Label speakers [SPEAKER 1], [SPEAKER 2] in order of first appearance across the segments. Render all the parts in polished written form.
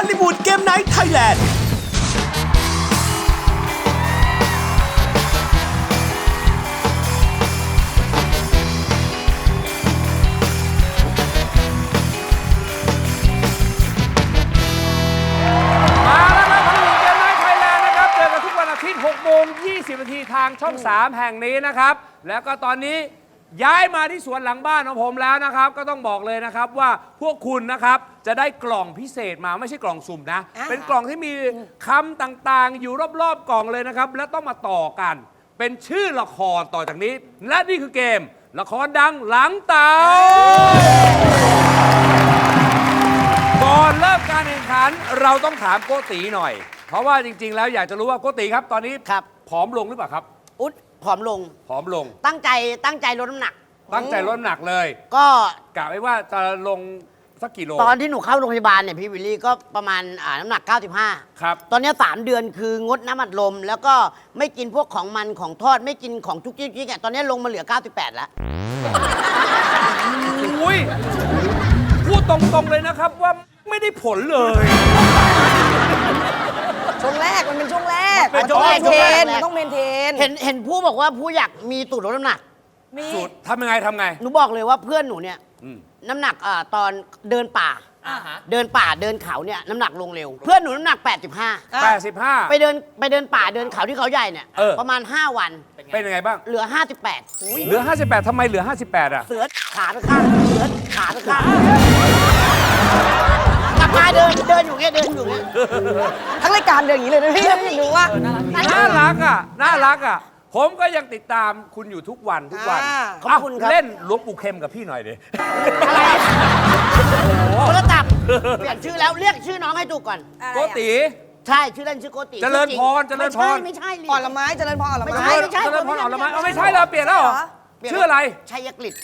[SPEAKER 1] ลลีวูดเกมไนท์ไทยแลนด์
[SPEAKER 2] 6:20 ทางช่อง 3 แห่งนี้นะครับแล้วก็ตอนนี้ย้ายมาที่สวนหลังบ้านของผมแล้วนะครับก็ต้องบอกเลยนะครับว่าพวกคุณนะครับจะได้กล่องพิเศษมาไม่ใช่กล่องสุ่มนะเป็นกล่องที่มีคำต่างๆอยู่รอบๆกล่องเลยนะครับและต้องมาต่อกันเป็นชื่อละครต่อจากนี้และนี่คือเกมละครดังหลังเต๋าก่อนเริ่มการแข่งขันเราต้องถามโกติหน่อยเพราะว่าจริงๆแล้วอยากจะรู้ว่าโกติครับตอนนี้ผอมลงหรือเปล่าครับ
[SPEAKER 3] อุ๊ดผอมลง
[SPEAKER 2] ผอมลง
[SPEAKER 3] ตั้งใจลดน้ำหนัก
[SPEAKER 2] ตั้งใจลดน้ำหนักเลย
[SPEAKER 3] ก็
[SPEAKER 2] กะไว้ว่าจะลงสักกี่โล
[SPEAKER 3] ตอนที่หนูเข้าโรงพยาบาลเนี่ยพี่วิลลี่ก็ประมาณน้ำหนัก95
[SPEAKER 2] ครับ
[SPEAKER 3] ตอนนี้3 เดือนคืองดน้ำอัดลมแล้วก็ไม่กินพวกของมันของทอดไม่กินของจุกจิกตอนนี้ลงมาเหลือ98แล้ว
[SPEAKER 2] อุ้ยพูดตรงๆเลยนะครับว่าไม่ได้ผลเลย
[SPEAKER 4] ช่วงแรกมันเป็นช่วงแรก
[SPEAKER 3] มันต้องเมนเทน
[SPEAKER 4] ต้องเมนเทน
[SPEAKER 3] เห็นผู้บอกว่าผู้อยากมีตูดลดน้ำหนัก
[SPEAKER 2] สูตรทำยังไง
[SPEAKER 3] หนูบอกเลยว่าเพื่อนหนูเนี่ยน้ำหนักตอนเดินป่าเดินเขาเนี่ยน้ำหนักลงเร็วเพื่อนหนูน้ำหนัก85ไปเดินป่าเดินเขาที่เขาใหญ่เนี่ยประมาณ5 วัน
[SPEAKER 2] เป็นยังไงบ้าง
[SPEAKER 3] เหลือ58
[SPEAKER 2] เหลือ58ทำไมเหลือ58อ่ะ
[SPEAKER 3] เสือขาไปข้างเสือขาไปข้างกลับมาเดินอยู่เงี้ย
[SPEAKER 4] ทั้งรายการเดินอย่างนี้เลยนะพี่หนูว่า
[SPEAKER 2] น่ารักอ่ะผมก็ยังติดตามคุณอยู่ทุกวัน
[SPEAKER 3] ขอบคุณครับ
[SPEAKER 2] เล่นหลวงปู่เข็มกับพี่หน่อยดิ
[SPEAKER 3] อะไรโทรศัพท์เปลี่ยนชื่อแล้วเรียกชื่อน้องให้ถูกก่อน
[SPEAKER 2] โกติ
[SPEAKER 3] ใช่ชื่อเล่นชื่อโกติ
[SPEAKER 2] เจริญพร
[SPEAKER 3] ไม่ใช่
[SPEAKER 4] อ่อนละไม้เจริญพรอ่อนละไม้
[SPEAKER 2] เจริญพรอ่อนละไม้ไม่ใช่เราเปลี่ยนแล้วเหรอชื่ออะไร
[SPEAKER 3] ชัยกฤษ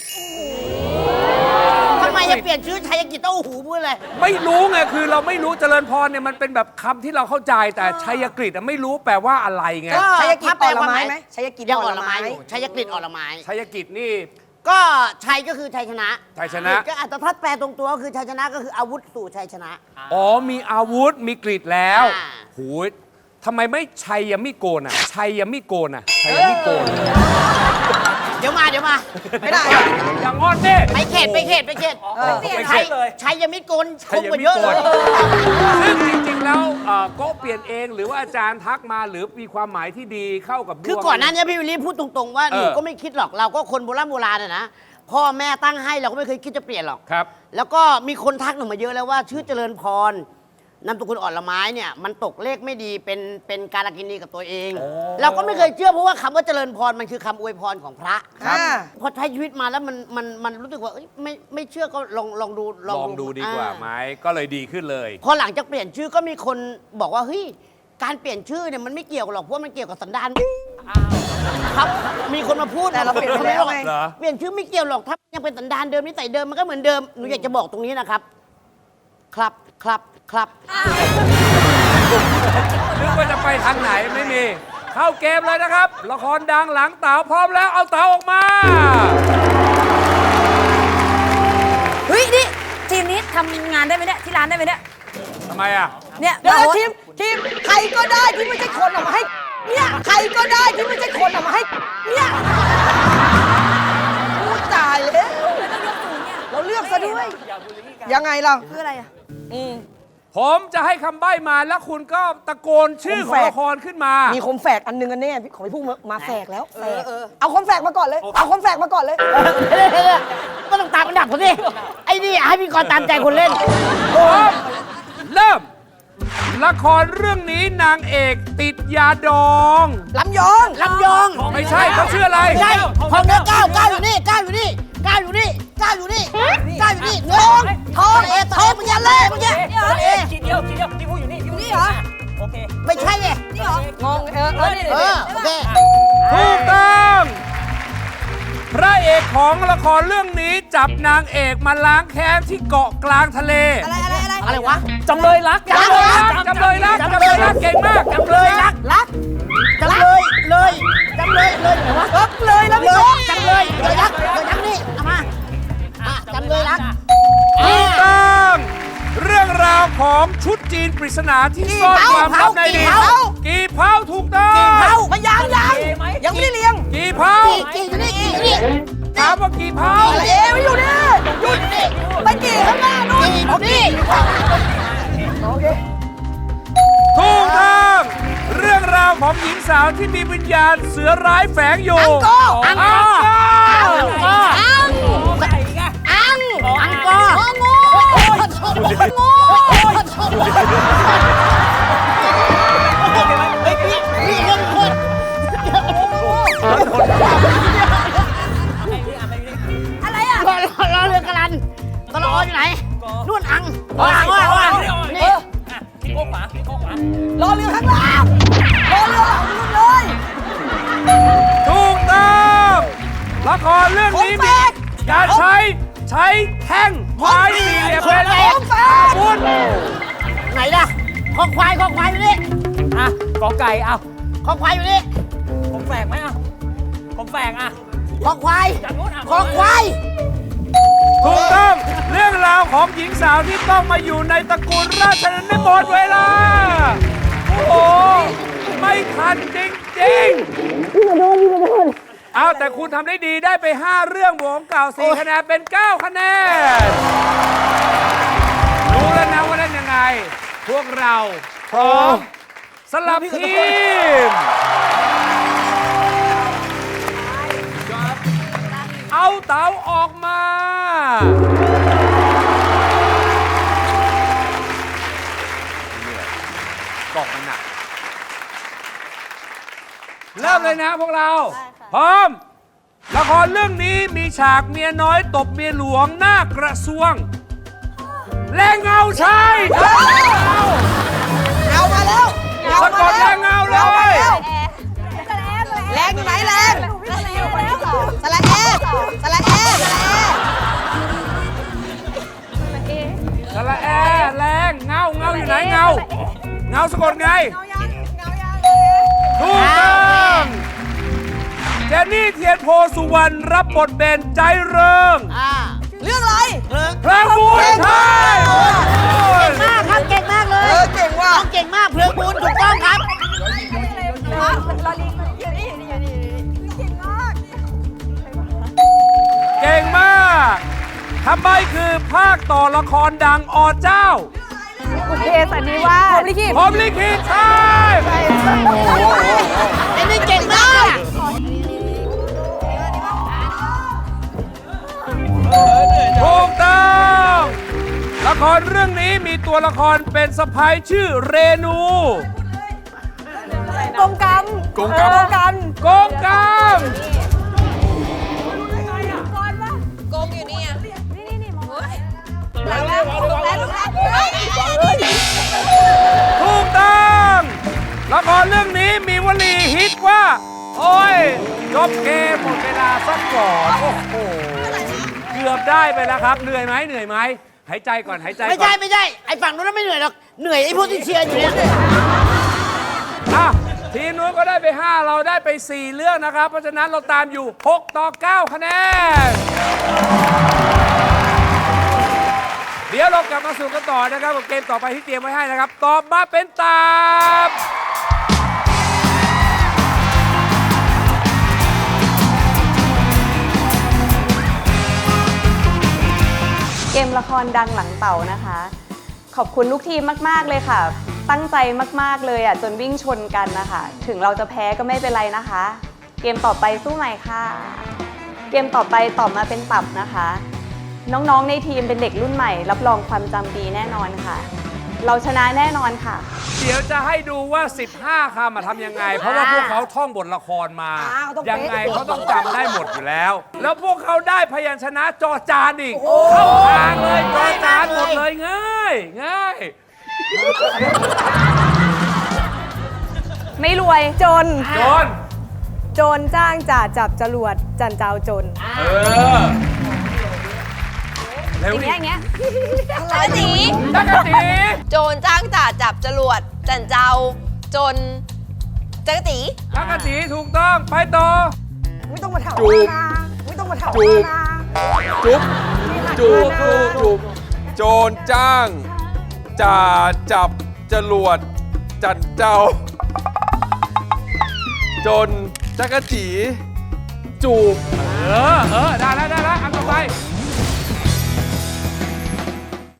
[SPEAKER 3] ทำไมจะเปลี่ยนชื่อชัยกฤษต้องหูพูดเลย
[SPEAKER 2] ไม่รู้ไงคือเราไม่รู้เจริญพรเนี่ยมันเป็นแบบคำที่เราเข้าใจแต่ชัยกฤษไม่รู้แปลว่าอะไรไง
[SPEAKER 4] ชัยกฤษอ่อนละไม้ไหมชัยกฤษ
[SPEAKER 3] ยังอ่อนละไม้ชัยกฤษอ่อนละไม้
[SPEAKER 2] ชัยกฤษนี่
[SPEAKER 3] ก็ชัยก็คือชัยชนะก็อัตถแปลตรงตัวก็คือชัยชนะก็คืออาวุธสู่ชัยชนะ
[SPEAKER 2] อ๋อมีอาวุธมีกฤษแล้วหูยทำไมไม่ชัยยมิโกนอ่ะชัยยมิโกนอ่ะชัยยมิโกน
[SPEAKER 3] เดี๋ยวมา
[SPEAKER 2] ไม่ได้อย่างงอนดิ
[SPEAKER 3] ไปเขตชัยยมิโกนคงกว่าเยอะเลย
[SPEAKER 2] ซึ่งจริงๆแล้วก็เปลี่ยนเองหรือว่าอาจารย์ทักมาหรือมีความหมายที่ดีเข้ากับ
[SPEAKER 3] คือก่อนหน้านี้พี่วิลลี่พูดตรงๆว่าหนูก็ไม่คิดหรอกเราก็คนโบราณนะพ่อแม่ตั้งให้เราก็ไม่เคยคิดจะเปลี่ยนหรอก
[SPEAKER 2] ครับ
[SPEAKER 3] แล้วก็มีคนทักหนูมาเยอะแล้วว่าชื่อเจริญพรนามสกุลอ่อนละไม้เนี่ยมันตกเลขไม่ดีเป็นการกินีกับตัวเองเราก็ไม่เคยเชื่อเพราะว่าคำว่าเจริญพรมันคือคำอวยพรของพระพอใช้ชีวิตมาแล้วมันรู้สึกว่าไม่เชื่อก็ลองดู
[SPEAKER 2] ดีกว่าไหมก็เลยดีขึ้นเลย
[SPEAKER 3] พอหลังจากเปลี่ยนชื่อก็มีคนบอกว่าเฮ้ยการเปลี่ยนชื่อเนี่ยมันไม่เกี่ยวหรอกเพราะมันเกี่ยวกับสันดานครับมีคนมาพูด
[SPEAKER 4] แต่เราเปลี่ยนไปแล้วไง
[SPEAKER 3] เปลี่ยนชื่อไม่เกี่ยวหรอกถ้ายังเป็นสันดานเดิมนิสัยเดิมมันก็เหมือนเดิมหนูอยากจะบอกตรงนี้นะครับ
[SPEAKER 2] นึกว่าจะไปทางไหนไม่มีเข้าเกมเลยนะครับละครดังหลังเต๋าพร้อมแล้วเอาเต๋าออกมา
[SPEAKER 4] เฮ้ยนี่ทีมนี้ทำงานได้ไหมเนี่ยที่ร้านได้ไหมเนี่ย
[SPEAKER 2] ทำไมอ่ะ
[SPEAKER 4] เนี่ยเดี๋ยวทีมใครก็ได้ที่ไม่ใช่คนออกมาให้เนี่ยใครก็ได้ที่ไม่ใช่คนออกมาให้เนี่ยพูดตายเลยเราเลือกซะด้วยยังไงเราคืออะไรอ่ะ
[SPEAKER 2] ผมจะให้คำใบ้มาแล้วคุณก็ตะโกนชื่อของละครขึ้นมา
[SPEAKER 4] มีคมแฝกอันนึงอันนี้ของพี่พุ่งมาแฝกแล้วเอาคมแฝกมาก่อนเลย
[SPEAKER 3] ก็ต้องตามอันดับผมดิไอ้นี่ให้พี่กรตามใจคนเล่น
[SPEAKER 2] เริ่มละครเรื่องนี้นางเอกติดยาดอง
[SPEAKER 4] ลำยอง
[SPEAKER 2] ไม่ใช่เขาชื่ออะไร
[SPEAKER 3] ใช่ของเนื้อก้าวอยู่นี่เนื้อทองมันยันเล่มันยัน
[SPEAKER 5] ขีดเดียวที่พูดอยู่นี่
[SPEAKER 4] เหรอ
[SPEAKER 5] โอเค
[SPEAKER 3] ไม่ใช่ไง
[SPEAKER 4] นี่เหรองง
[SPEAKER 3] โอเค
[SPEAKER 2] ถูกต้องพระเอกของละครเรื่องนี้จับนางเอกมาล้างแค้นที่เกาะกลางทะเล
[SPEAKER 3] อะไรวะ
[SPEAKER 5] จำเลยรัก
[SPEAKER 2] จำเลยรักเก่งมาก
[SPEAKER 3] จำเลยรักจำเลยไหนวะ
[SPEAKER 4] เลยแล้วพี่โจ๊ก
[SPEAKER 3] จำเลยรักนี่เอามาจำเลยรัก
[SPEAKER 2] ถูกต้องเรื่องราวของชุดจีนปริศนาที่ซ่อนความลับในดินกี่เผาถูกต้อง
[SPEAKER 4] มายังไม่ได้เลี้ยง
[SPEAKER 2] กี่เผา
[SPEAKER 3] กี่อยู่นี่กี่อยู่นี่
[SPEAKER 2] ถามว่ากี่เผา
[SPEAKER 4] เอ๋ไม่อยู่นี่หยุดไปกี่ข้างหน้านู่น
[SPEAKER 3] กี่อยู่นี่
[SPEAKER 2] ถูกต้องเรื่องราวของหญิงสาวที่มีวิญญาณเสือร้ายแฝงอยู่
[SPEAKER 3] อังกอร์นี่เรื่องคน
[SPEAKER 4] อะไรอ่ะ
[SPEAKER 3] รอเรือกระลันตลอดอยู่ไหนนู่นอังนี่
[SPEAKER 5] คิดโค้งขวาคิดโค้งขวาร
[SPEAKER 4] อเรือข้างล่างรอเรือเลย
[SPEAKER 2] ถูกต้องละครเรื่องนี้มีการใช้แท่งไม้สี่เหลี่ยมเป็นอาวุธ
[SPEAKER 3] ไหนล่ะคอควายอยู่นี่
[SPEAKER 5] อ่ะกอไก่เอา
[SPEAKER 3] คอควายอยู่นี่
[SPEAKER 5] ผมแฝงไหมอ่ะผมแฝงอ่ะ
[SPEAKER 3] คอควาย
[SPEAKER 5] จากนู้นอ่ะ
[SPEAKER 3] คอควาย
[SPEAKER 2] ถูกต้องเรื่องราวของหญิงสาวที่ต้องมาอยู่ในตระกูลราชนันท์หมดเวลา โอ้โห ไม่ทันจริงๆเอาแต่คุณทำได้ดีได้ไป 5 เรื่องบวกของเก่า4คะแนนเป็น 9 คะแนน รู้แล้วนะว่าเล่นยังไง พวกเราพร้อมสลับทีม เอาเต๋าออกมา กล่องมันหนักเริ่มเลยนะพวกเรา พร้อม ละครเรื่องนี้มีฉากเมียน้อยตบเมียหลวงหน้ากระทรวง และเงาชาย
[SPEAKER 4] เอามาแล้ว
[SPEAKER 2] สะกดและเงาเลย
[SPEAKER 4] แรงอยู่ไหนแรงสละเอสละเอสละเอ
[SPEAKER 2] สระแอแรงเงาอยู่ไหนเงาสะกดไง ถูกต้องเจนนี่เทียนโพสุวรรณรับบทเป็นใจเริง
[SPEAKER 4] เรื่องอะไร
[SPEAKER 2] พระบุญไทย
[SPEAKER 3] มากครับเก่งมากเลย
[SPEAKER 4] เก่งว่ะ
[SPEAKER 3] เก่งมากเพลิงบุญถูกต้องครับ
[SPEAKER 2] เก่งมากทำไมคือภาคต่อละครดังอเจ้า
[SPEAKER 4] บุพเพสันนิวาสลิขิต
[SPEAKER 2] ผมลิขิตใช่
[SPEAKER 3] ไอ้นี่เก่งมาก
[SPEAKER 2] ถูกต้องละครเรื่องนี้มีตัวละครเป็นสะพ้ายชื่อเรนู
[SPEAKER 4] กงกรรม
[SPEAKER 2] กงกรรม
[SPEAKER 4] กรรม
[SPEAKER 2] โกงกรรม
[SPEAKER 6] กงอยู่นี่อ่ะนี่มอง
[SPEAKER 2] ถูกต้องละครเรื่องนี้มีวลีฮิตว่า โอ้ยจบเกมหมดเวลาสักก่อนโอ้โหเกือบได้ไปแล้วครับเหนื่อยไหมหายใจก่อนหายใจก่อน
[SPEAKER 3] ไม่ใช่ไอ้ฝั่งนู้นไม่เหนื่อยหรอกเหนื่อยไอ้พวกที่เชียร์อยู่เนี่ย
[SPEAKER 2] อ่ะทีมนู้นก็ได้ไป 5 เราได้ไป 4 เรื่องนะครับ เพราะฉะนั้นเราตามอยู่ 6 ต่อ 9 คะแนน เดี๋ยวเรากลับมาสู่กันต่อนะครับกับเกมต่อไปที่เตรียมไว้ให้นะครับ ตอบมาเป็นตาม
[SPEAKER 7] เกมละครดังหลังเต่านะคะ ขอบคุณลูกทีมมากๆเลยค่ะ ตั้งใจมากๆเลยอ่ะจนวิ่งชนกันนะคะ ถึงเราจะแพ้ก็ไม่เป็นไรนะคะ เกมต่อไปสู้ใหม่ค่ะ เกมต่อไปตอบมาเป็นตับนะคะ น้องๆในทีมเป็นเด็กรุ่นใหม่ รับรองความจำดีแน่นอนค่ะ เราชนะแน่นอนค่ะ
[SPEAKER 2] เดี๋ยวจะให้ดูว่า 15 คำทำยังไง เพราะว่าพวกเขาท่องบทละครมา ยังไงเขาต้องจำได้หมดอยู่แล้ว แล้วพวกเขาได้พยัญชนะจอจานอีก เข้าทางเลยจอจานหมดเลยง่าย
[SPEAKER 8] ไม่รวยจน
[SPEAKER 2] โจร
[SPEAKER 8] จ้างจ่าจับจรวดจันเจ้าจน
[SPEAKER 2] เร็ว
[SPEAKER 8] อย่าง
[SPEAKER 2] ดิ
[SPEAKER 8] เงี้ย
[SPEAKER 6] จักรจี
[SPEAKER 2] จักรจี
[SPEAKER 6] โจรจ้างจ่าจับจรวด จันเจ้าจนจักรจี
[SPEAKER 2] จักรจีถูกต้องไปต่อ
[SPEAKER 4] ไม่ต้องมาถาม
[SPEAKER 9] จูบ
[SPEAKER 4] ไม่ต้องมาถาม
[SPEAKER 9] จูบ จูบโจรจ้างจ่าจับจรวดจันเจ้า จนจักรจีจูบ
[SPEAKER 2] ได้แล้ว